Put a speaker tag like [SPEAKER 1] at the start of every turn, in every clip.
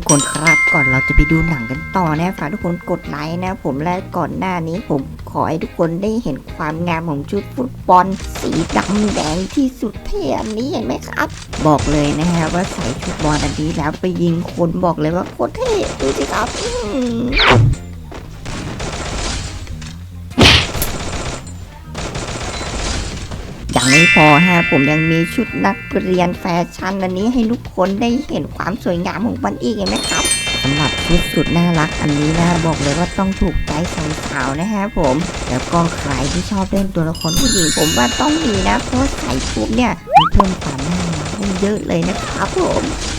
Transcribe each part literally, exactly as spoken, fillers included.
[SPEAKER 1] คนครับก่อนเราจะไปดูหนังกันต่อนะฝากทุกคนกดไลค์นะผมและก่อนหน้านี้ผมขอให้ทุกคนได้เห็นความงามของชุดฟุตบอลสีดำแดงที่สุดเท่อันนี้เห็นไหมครับบอกเลยนะฮะว่าใส่ชุดบอลอันนี้แล้วไปยิงคนบอกเลยว่าโคตรเท่ดูสิครับยังไม่พอฮะผมยังมีชุดนักเรียนแฟชั่นอันนี้ให้ทุกคนได้เห็นความสวยงามของมันอีกเห็นไหมครับสำหรับชุดสุดน่ารักอันนี้นะบอกเลยว่าต้องถูกใจสาวๆนะฮะผมแล้วก็ใครที่ชอบเล่นตัวละครผู้หญิงผมว่าต้องมีนะเพราะใส่ปุ๊บเนี่ยมันเพิ่มความน่ารักได้เยอะเลยนะครับผม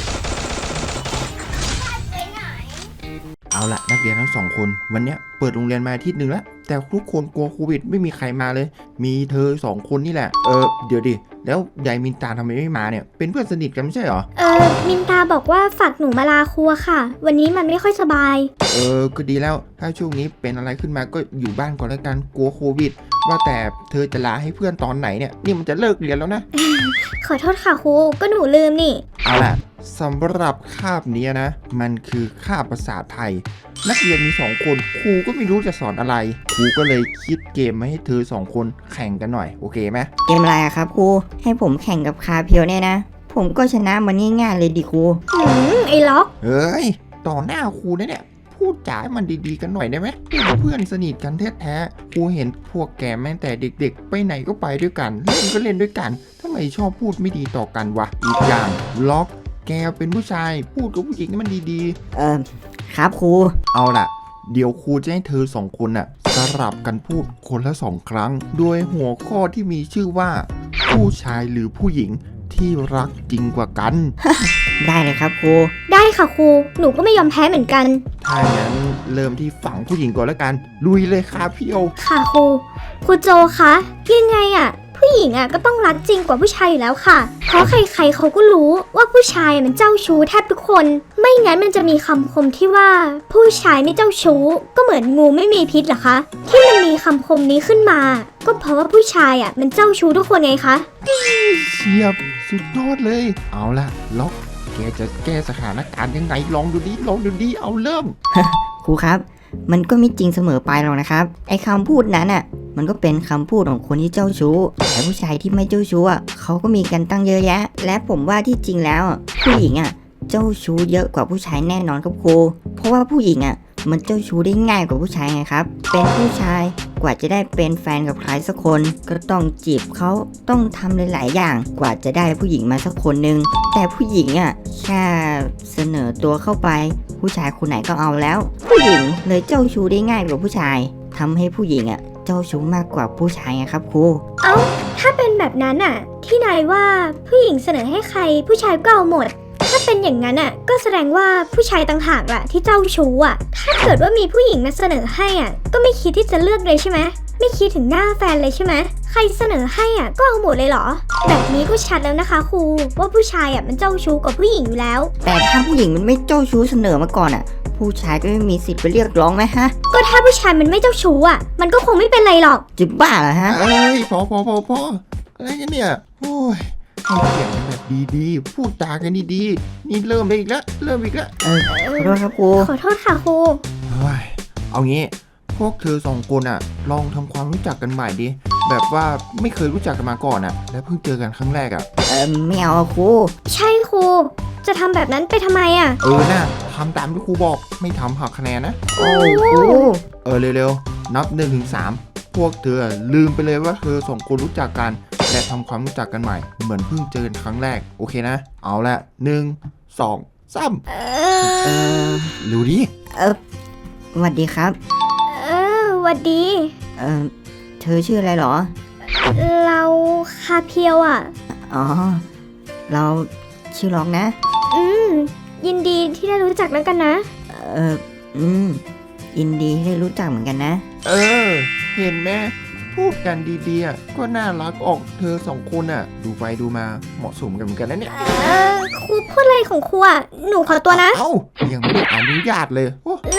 [SPEAKER 2] เอาละนักเรียนทั้งสองคนวันนี้เปิดโรงเรียนมาอาทิตย์หนึ่งแล้วแต่ทุกคนกลัวโควิดไม่มีใครมาเลยมีเธอสองคนนี่แหละเออเดี๋ยวดิแล้วยายมินตาทำไมไม่มาเนี่ยเป็นเพื่อนสนิทกันไม่ใช่เหรอ
[SPEAKER 3] เออมินตาบอกว่าฝากหนูมาลาครัวค่ะวันนี้มันไม่ค่อยสบาย
[SPEAKER 2] เออก็ดีแล้วถ้าช่วงนี้เป็นอะไรขึ้นมาก็อยู่บ้านก่อนแล้วกันกลัวโควิดว่าแต่เธอจะลาให้เพื่อนตอนไหนเนี่ยนี่มันจะเลิกเรียนแล้วนะ
[SPEAKER 3] ขอโทษค่ะครูก็หนูลืมนี่
[SPEAKER 2] เอาล่ะสำหรับคาบนี้นะมันคือคาบภาษาไทยนักเรียนมีสองคนครูก็ไม่รู้จะสอนอะไรครูก็เลยคิดเกมมาให้เธอสองคนแข่งกันหน่อยโอเคไหม
[SPEAKER 1] เกมอะไรครับครูให้ผมแข่งกับคาเพียวเนี่ยนะผมก็ชนะมันง่ายๆเลยดิครู
[SPEAKER 3] อืมไอ้ล็อก
[SPEAKER 2] เฮ้ยต่อหน้าครูนะเนี่ยพูดจามันดีๆกันหน่อยได้ไหมเพื่อนสนิทกันแท้ๆครูเห็นพวกแกแม้แต่เด็กๆไปไหนก็ไปด้วยกันเล่นก็เล่นด้วยกันทำไมชอบพูดไม่ดีต่อกันวะอีกอย่างล็อกแกเป็นผู้ชายพูดกับผู้หญิงนี่มันดี
[SPEAKER 1] ๆเออครับครู
[SPEAKER 2] เอาล่ะเดี๋ยวครูจะให้เธอสองคนน่ะสลับกันพูดคนละสองครั้งโดยหัวข้อที่มีชื่อว่าผู้ชายหรือผู้หญิงที่รักจริงกว่ากัน
[SPEAKER 1] ได้เลยครับครู
[SPEAKER 3] ได้ค่ะครูหนูก็ไม่ยอมแพ้เหมือนกัน
[SPEAKER 2] ถ้าอย่างนั้นเริ่มที่ฝั่งผู้หญิงก่อนแล้วกันลุยเลยค่ะพี่โอ
[SPEAKER 3] ค่ะครูครูโจคะยังไงอ่ะผู้หญิงอ่ะก็ต้องรักจริงกว่าผู้ชายอยู่แล้วค่ะเพราะใครๆเขาก็รู้ว่าผู้ชายมันเจ้าชู้แทบทุกคนไม่งั้นมันจะมีคำคมที่ว่าผู้ชายไม่เจ้าชู้ก็เหมือนงูไม่มีพิษเหรอคะที่มันมีคำคมนี้ขึ้นมาก็เพราะว่าผู้ชายอ่ะมันเจ้าชู้ทุกคนไงคะ
[SPEAKER 2] เฉียบสุดยอดเลยเอาล่ะล็อกแกจะแก้สถานการณ์ยังไงลองดูดิลองดูดิเอาเริ่ม
[SPEAKER 1] ครูครับมันก็ไม่จริงเสมอไปหรอกนะครับไอ้คำพูดนั้นอ่ะมันก็เป็นคำพูดของคนที่เจ้าชู้แต่ผู้ชายที่ไม่เจ้าชู้อ่ะเขาก็มีกันตั้งเยอะแยะและผมว่าที่จริงแล้วผู้หญิงอ่ะเจ้าชู้เยอะกว่าผู้ชายแน่นอนครับครูเพราะว่าผู้หญิงอ่ะมันเจ้าชู้ได้ง่ายกว่าผู้ชายไงครับเป็นผู้ชายกว่าจะได้เป็นแฟนกับใครสักคนก็ต้องจีบเขาต้องทำหลายๆอย่างกว่าจะได้ผู้หญิงมาสักคนนึงแต่ผู้หญิงอ่ะแค่เสนอตัวเข้าไปผู้ชายคนไหนก็เอาแล้วผู้หญิงเลยเจ้าชู้ได้ง่ายกว่าผู้ชายทำให้ผู้หญิงอ่ะเจ้าชู้มากกว่าผู้ชายไงครับครู
[SPEAKER 3] เอ้าถ้าเป็นแบบนั้นอ่ะที่นายว่าผู้หญิงเสนอให้ใครผู้ชายก็เอาหมดถ้าเป็นอย่างนั้นอ่ะก็แสดงว่าผู้ชายต่างหากอ่ะที่เจ้าชู้อ่ะถ้าเกิดว่ามีผู้หญิงมาเสนอให้อ่ะก็ไม่คิดที่จะเลือกเลยใช่ไหมไม่คิดถึงหน้าแฟนเลยใช่ไหมใครเสนอให้อ่ะก็เอาหมดเลยเหรอแบบนี้ก็ชัดแล้วนะคะครูว่าผู้ชายอ่ะมันเจ้าชู้กว่าผู้หญิงอยู่แล้ว
[SPEAKER 1] แต่ถ้าผู้หญิงมันไม่เจ้าชู้เสนอมาก่อนอ่ะผู้ชายก็ไม่มีสิทธิ์ไปเรียกร้องไหมฮะ
[SPEAKER 3] ก็ถ้าผู้ชายมันไม่เจ้าชู้อ่ะมันก็คงไม่เป็นไรหรอก
[SPEAKER 1] จะบ้าเหรอฮะ
[SPEAKER 2] เอ้ยพอพอพอพออะไรกันเนี่ยโอ้ยให้เสียงแบบดีๆพูดจากันดีๆนี่เริ่มไปอีกแล้วเริ่มอีกแล้ว
[SPEAKER 1] เออขอโทษครับครู
[SPEAKER 3] ขอโทษค่ะครู
[SPEAKER 2] เฮ้ยเอางี้พวกเธอสองคนอ่ะลองทำความรู้จักกันใหม่ดิแบบว่าไม่เคยรู้จักกันมาก่อนอ่ะและเพิ่งเจอกันครั้งแรกอ่ะ
[SPEAKER 1] เออไม่เอาครู
[SPEAKER 3] ใช่ครูจะทำแบบนั้นไปทำไมอ่ะ
[SPEAKER 2] เออน่ะทำตามที่ครูบอกไม่ทำหักคะแนนนะ
[SPEAKER 1] โอ้ครู
[SPEAKER 2] เออเร็วๆนับหนึ่งถึงสามพวกเธอลืมไปเลยว่าเธอสองคนรู้จักกันและทำความรู้จักกันใหม่เหมือนเพิ่งเจอกันครั้งแรกโอเคนะเอาละหนึ่งสองสาม
[SPEAKER 3] เอ
[SPEAKER 1] อ
[SPEAKER 2] รู้ดิ
[SPEAKER 1] เออสวัสดีครับ
[SPEAKER 3] เออสวัสดี
[SPEAKER 1] เออเธอชื่ออะไรหรอ
[SPEAKER 3] เราคาเพียวอ่ะ
[SPEAKER 1] อ๋อเราชื่อล็อกนะ
[SPEAKER 3] อืมยินดีที่ได้รู้จักแล้วกันนะ
[SPEAKER 1] เอออืมยินดีที่ได้รู้จักเหมือนกันนะ
[SPEAKER 2] เออเห็นไหมพูดกันดีๆก็น่ารักออกเธอสองคนอ่ะดูไปดูมาเหมาะสมกันเหมือนกันนะเนี่ย
[SPEAKER 3] เออครูพูดอะไรของครูอ่ะหนูขอตัวนะ
[SPEAKER 2] เอ้ายังไม่ได้อนุญาตเลย
[SPEAKER 3] เร็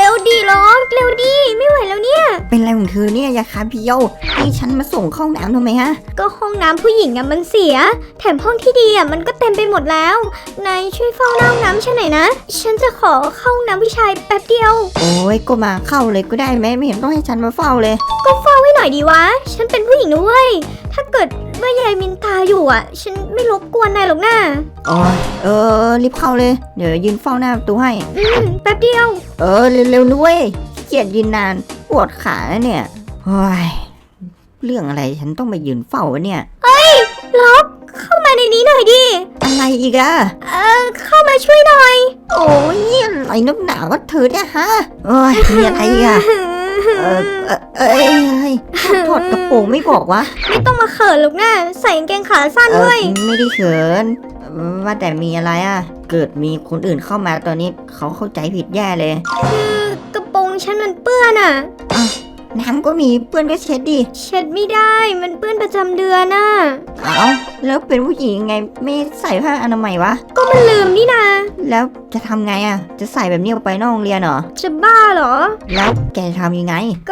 [SPEAKER 3] ร็วๆดีล็อกเร็วดีไม่ไหวแล้วเนี่ย
[SPEAKER 1] เป็นไรของเธอเนี่ยยาคาเพียวนี่ฉันมาส่งเข้าห้องน้ำทำไมฮะ
[SPEAKER 3] ก็ห้องน้ำผู้หญิงอะมันเสีย แถมห้องที่ดีอะมันก็เต็มไปหมดแล้วนายช่วยเฝ้าหน้าห้องน้ำฉันหน่อยนะ ฉันจะขอเข้าห้องน้ำผู้ชายแป๊บเดียว
[SPEAKER 1] โอ้ยก็มาเข้าเลยก็ได้ไหมไม่เห็นต้องให้ฉันมาเฝ้าเลย
[SPEAKER 3] ก็เฝ้าให้หน่อยดีวะ ฉันเป็นผู้หญิงนะเว้ย ถ้าเกิดว่ายายมินตาอยู่อ่ะ ฉันไม่รบกวนนายหรอกนะ
[SPEAKER 1] โอ้ยเออรีบเข้าเลยเดี๋ยวยืนเฝ้าหน้าประตูให้
[SPEAKER 3] อืมแป๊บเดียว
[SPEAKER 1] เออเร็วๆนุ้ยเกียดยืนนานปวดขาแล้วเนี่ยโอ้ยเรื่องอะไรฉันต้องไปยืนเฝ้าวะเนี่ย
[SPEAKER 3] ล็อกเข้ามาในนี้หน่อยดิ
[SPEAKER 1] อะไรอีกอะ
[SPEAKER 3] เออเข้ามาช่วยหน่อย
[SPEAKER 1] โอ้ยอะไรนักหนาวะเธอเนี่ยฮะโอ้ยมีอะไรอีกอะเออเออเอ้ยเอ้ยถอดกระโปรงไม่บอกวะ
[SPEAKER 3] ไม่ต้องมาเขินหรอกนะใส่กางเกงขาสั้น
[SPEAKER 1] เอ
[SPEAKER 3] ด้
[SPEAKER 1] อ
[SPEAKER 3] วย
[SPEAKER 1] ไม่ได้เขินว่าแต่มีอะไรอะเกิดมีคนอื่นเข้ามาตอนนี้เขาเข้าใจผิดแย่เลย
[SPEAKER 3] คือกระโปรงฉันมันเปื้อนอ่ะ
[SPEAKER 1] น้ำก็มีเพื่อนก็เช็ดดิ
[SPEAKER 3] เช็ดไม่ได้มันเปื้อนประจำเดือนน่ะ
[SPEAKER 1] เอ้าแล้วเป็นผู้หญิงไงไม่ใส่ผ้าอนามัยวะ
[SPEAKER 3] ก็มันลืมนี่นะ
[SPEAKER 1] แล้วจะทำไงอะจะใส่แบบนี้ออกไปนอกโรงเรียนเหรอ
[SPEAKER 3] จะบ้าเหรอ
[SPEAKER 1] แล้วแกจะทำยังไง
[SPEAKER 3] ก็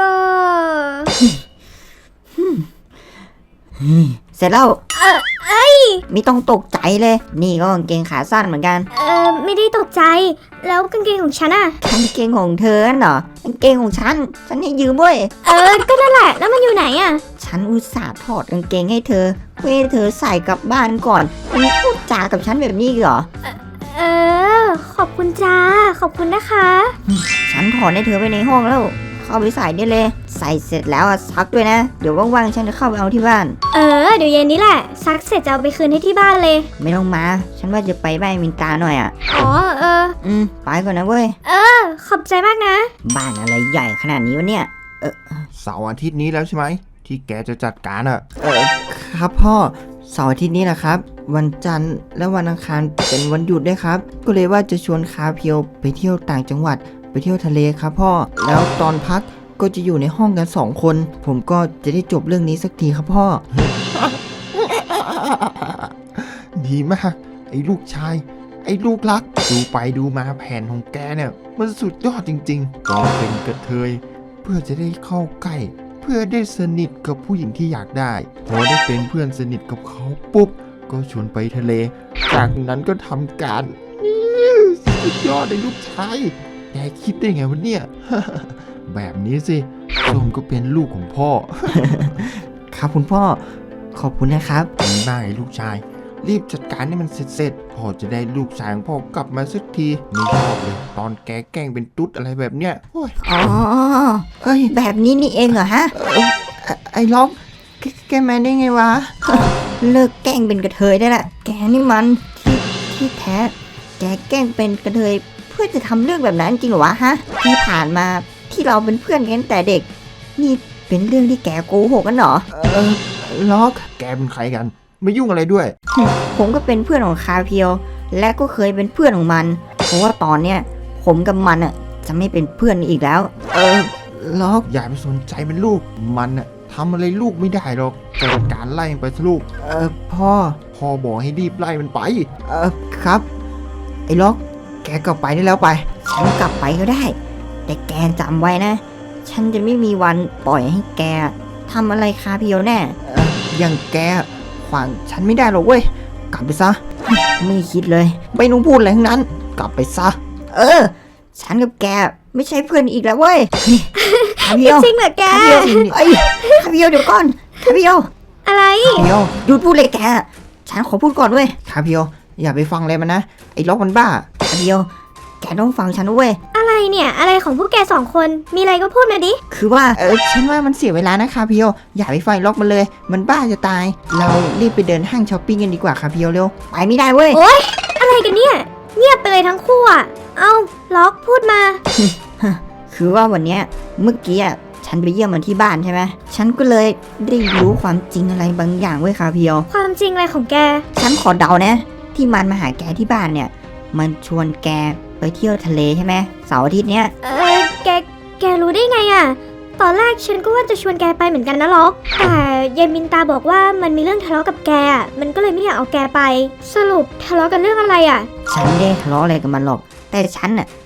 [SPEAKER 1] เสร็จแล้ว
[SPEAKER 3] เออเอ้ย
[SPEAKER 1] ไม่ต้องตกใจเลย นี่ก็กางเกงขาสั้นเหมือนกัน
[SPEAKER 3] เออไม่ได้ตกใจ แล้วกางเกงของฉันอ่ะ
[SPEAKER 1] กางเกงของเธอนั่นเหรอกางเกงของฉัน ฉันให้ยืมเว้ย
[SPEAKER 3] เออ ก็นั่นแหละ แล้วมันอยู่ไหนอ่ะ
[SPEAKER 1] ฉันอุตส่าห์ถอดกางเกงให้เธอเพื่อให้เธอใส่กลับบ้านก่อนมึงพูดจากับฉันแบบนี้เหรอ
[SPEAKER 3] เออ ขอบคุณจ้า ขอบคุณนะคะ
[SPEAKER 1] ฉันถอดให้เธอไว้ในห้องแล้ว เข้าไปใส่ได้เลย ใส่เสร็จแล้วอะซักด้วยนะ เดี๋ยวว่างๆฉันจะเข้าไปเอาที่บ้าน
[SPEAKER 3] เออ เดี๋ยวเย็นนี้แหละ ซักเสร็จจะเอาไปคืนให้ที่บ้านเลย
[SPEAKER 1] ไม่ต้องมา ฉันว่าจะไปบ้านมินตาหน่อยอ่ะ
[SPEAKER 3] อ๋อ เออ
[SPEAKER 1] อืมไปก่อนนะเว้ย
[SPEAKER 3] เออ ขอบใจมากนะ
[SPEAKER 1] บ้านอะไรใหญ่ขนาดนี้วะเนี่ย
[SPEAKER 2] เสาร์อาทิตย์นี้แล้วใช่ไหมที่แกจะจัดการอะ
[SPEAKER 1] เออครับพ่อเสาร์อาทิตย์นี้แหละครับ วันจันทร์และวันอังคารเป็นวันหยุดด้วยครับ ก็เลยว่าจะชวนคาเพียวไปเที่ยวต่างจังหวัด ไปเที่ยวทะเลครับพ่อแล้วตอนพักก็จะอยู่ในห้องกันสองคน ผมก็จะได้จบเรื่องนี้สักทีครับพ่อ
[SPEAKER 2] ดีมาก ไอ้ลูกชาย ไอ้ลูกรัก ดูไปดูมาแผนของแกเนี่ย มันสุดยอดจริงๆก็เป็นกระเทย เพื่อจะได้เข้าใกล้ เพื่อได้สนิทกับผู้หญิงที่อยากได้ พอได้เป็นเพื่อนสนิทกับเขาปุ๊บ ก็ชวนไปทะเล จากนั้นก็ทำการสุดยอดไอ้ลูกชายแกคิดได้ไงวะเนี่ย แบบนี้สิส้มก็เป็นลูกของพ่อ
[SPEAKER 1] ครับคุณพ่อขอบคุณนะครับ
[SPEAKER 2] ดีมากไอ้ลูกชาย รีบจัดการให้มันเสร็จๆพ่อจะได้ลูกชายของพ่อกลับมาสักทีไม่ชอบเลย ตอนแกแกล้งเป็นตุ๊ดอะไรแบบเนี้ยโอ้ย
[SPEAKER 1] อ๋อเอ้ยแบบนี้นี่เองเหรอฮะเอ้ยไอ้ล็อกแกแกมาได้ไงวะ เลิกแกล้งเป็นกระเทยได้ละแกนี่มันที่ที่แท้แกแกล้งเป็นกระเทยเพื่อจะทำเรื่องแบบนั้นจริงเหรอวะฮะที่ผ่านมาที่เราเป็นเพื่อนกันตั้งแต่เด็ก นี่เป็นเรื่องที่แกโกหกกันเหรอ
[SPEAKER 2] เออล็อกแกเป็นใครกัน ไม่ยุ่งอะไรด้วย
[SPEAKER 1] ผมก็เป็นเพื่อนของคาเพียว และก็เคยเป็นเพื่อนของมัน เพราะว่าตอนเนี้ยผมกับมันอ่ะจะไม่เป็นเพื่อนอีกแล้ว
[SPEAKER 2] เออล็อกอย่าไปสนใจมันลูก มันอะทำอะไรลูกไม่ได้หรอกจัดการไล่มันไปซะลูก
[SPEAKER 1] เออพ่อ
[SPEAKER 2] พ่อบอกให้รีบไล่มันไป
[SPEAKER 1] เออครับ ไอ้ล็อก แกกลับไปได้แล้วไป ฉันกลับไปก็ได้ แต่แกจำไว้นะ ฉันจะไม่มีวันปล่อยให้แกทำอะไรคาเพียวแน่เอออย่างแกขวางฉันไม่ได้หรอกเว้ย กลับไปซะ ไม่คิดเลย ไม่ต้องพูดอะไรทั้งนั้น กลับไปซะ เออ ฉันกับแกไม่ใช่เพื่อนอีกแล้วเว้ยคาเพียว
[SPEAKER 3] จริงเหรอแก
[SPEAKER 1] คาเพียวไอ้ยคาเพียวเดี๋ยวก่อนคาเพียว
[SPEAKER 3] อะไร
[SPEAKER 1] คาเพียวหยุดพูดเลยแก ฉันขอพูดก่อนเว้ยคาเพียวอย่าไปฟังเลยมันนะ ไอ้ล็อกมันบ้าคาเพียวแกต้องฟังฉันนะเว้ย
[SPEAKER 3] อะไรเนี่ย อะไรของพวกแกสองคน มีอะไรก็พูดมาดิ
[SPEAKER 1] คือว่าเออฉันว่ามันเสียเวลานะคาเพียวอย่าไปไฟล็อกมันเลย มันบ้าจะตาย เรารีบไปเดินห้างช้อปปิ้งกันดีกว่าคาเพียวเร็วไปไม่ได้เว้ย
[SPEAKER 3] โอ๊ย อะไรกันเนี่ย เงียบไปเลยทั้งคู่อ่ะ เอ้า ล็อกพูดมา
[SPEAKER 1] คือว่าวันเนี้ยเมื่อกี้อ่ะฉันไปเยี่ยมมันที่บ้านใช่ไหมฉันก็เลยได้รู้ความจริงอะไรบางอย่างเว้ยคาเพียว
[SPEAKER 3] ความจริงอะไรของแก
[SPEAKER 1] ฉันขอเดานะ ที่มันมาหาแกที่บ้านเนี่ย มันชวนแกไปเที่ยวทะเลใช่ไหมเสาร์อาทิตย์เนี้ย
[SPEAKER 3] เออแก แกรู้ได้ไงอ่ะ ตอนแรกฉันก็ว่าจะชวนแกไปเหมือนกันนะล็อก แต่ยายมินตาบอกว่ามันมีเรื่องทะเลาะกับแกอ่ะ มันก็เลยไม่อยากเอาแกไป สรุปทะเลาะกันเรื่องอะไรอ่ะ
[SPEAKER 1] ฉันไม่ได้ทะเลาะอะไรกับมันหรอก แต่ฉันน่ะ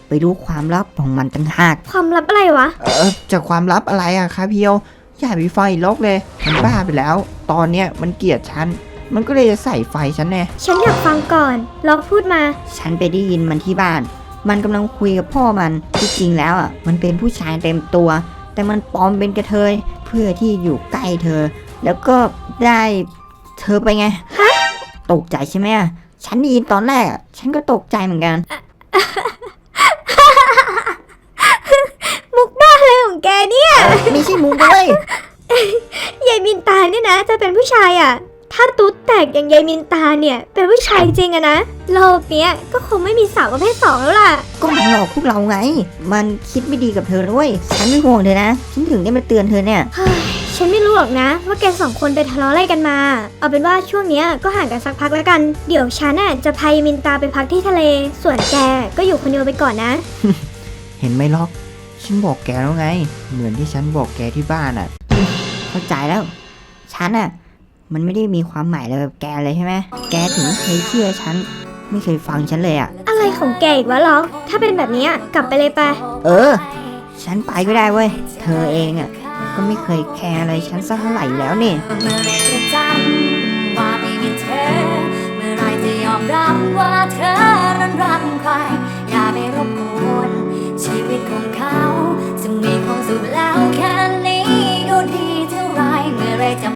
[SPEAKER 1] ไปรู้ความลับของมันต่างหาก
[SPEAKER 3] ความลับอะไรวะ
[SPEAKER 2] เออจากความลับอะไรอะครับเพียวอย่าไปไฟล็อกเลยมันบ้าไปแล้ว ตอนเนี้ยมันเกลียดฉันมันก็เลยจะใส่ไฟฉันแน่
[SPEAKER 3] ฉันอยากฟังก่อนล็อกพูดมา
[SPEAKER 1] ฉันไปได้ยินมันที่บ้าน มันกำลังคุยกับพ่อมันที่จริงแล้วอ่ะมันเป็นผู้ชายเต็มตัว แต่มันปลอมเป็นกระเทยเพื่อที่อยู่ใกล้เธอ แล้วก็ได้เธอไปไงตกใจใช่ไหมอะฉันได้ยินตอนแรกอะฉันก็ตกใจเหมือนกัน
[SPEAKER 3] มุกบ้าอะไรของแกเนี่ย
[SPEAKER 1] ไม่ใช่มุกเลย
[SPEAKER 3] ยายมินตาเนี่ยนะจะเป็นผู้ชายอ่ะ ถ้าตุ๊ดแตกอย่างยายมินตาเนี่ยเป็นผู้ชายจริงอะนะโลกเนี้ยก็คงไม่มีสาวประเภทสองแล้วล่ะ
[SPEAKER 1] ก็มันหลอกพวกเราไง มันคิดไม่ดีกับเธอด้วยฉันไม่ห่วงเธอนะฉันถึงได้มาเตือนเธอเนี่ย
[SPEAKER 3] เฮ้ยฉันไม่รู้หรอกนะ ว่าแกสองคนไปทะเลาะอะไรกันมา เอาเป็นว่าช่วงเนี้ยก็ห่างกันสักพักแล้วกัน เดี๋ยวฉันน่ะจะพายมินตาไปพักที่ทะเล ส่วนแกก็อยู่คนเดียวไปก่อนนะ
[SPEAKER 2] เห็นไหมล็อกฉันบอกแกแล้วไง เหมือนที่ฉันบอกแกที่บ้านอะ
[SPEAKER 1] เข้าใจแล้ว ฉันอะมันไม่ได้มีความหมายอะไรกับแกเลยใช่ไหมแกถึงไม่เคยเชื่อฉัน ไม่เคยฟังฉันเลยอะ
[SPEAKER 3] อะไรของแกอีกวะล็อก ถ้าเป็นแบบเนี้ยกลับไปเลยไป
[SPEAKER 1] เออ ฉันไปก็ได้เว้ย เธอเองอะก็ไม่เคยแคร์อะไรฉันสักเท่าไหร่แล้วนี่
[SPEAKER 4] เมื่อไรจะจำ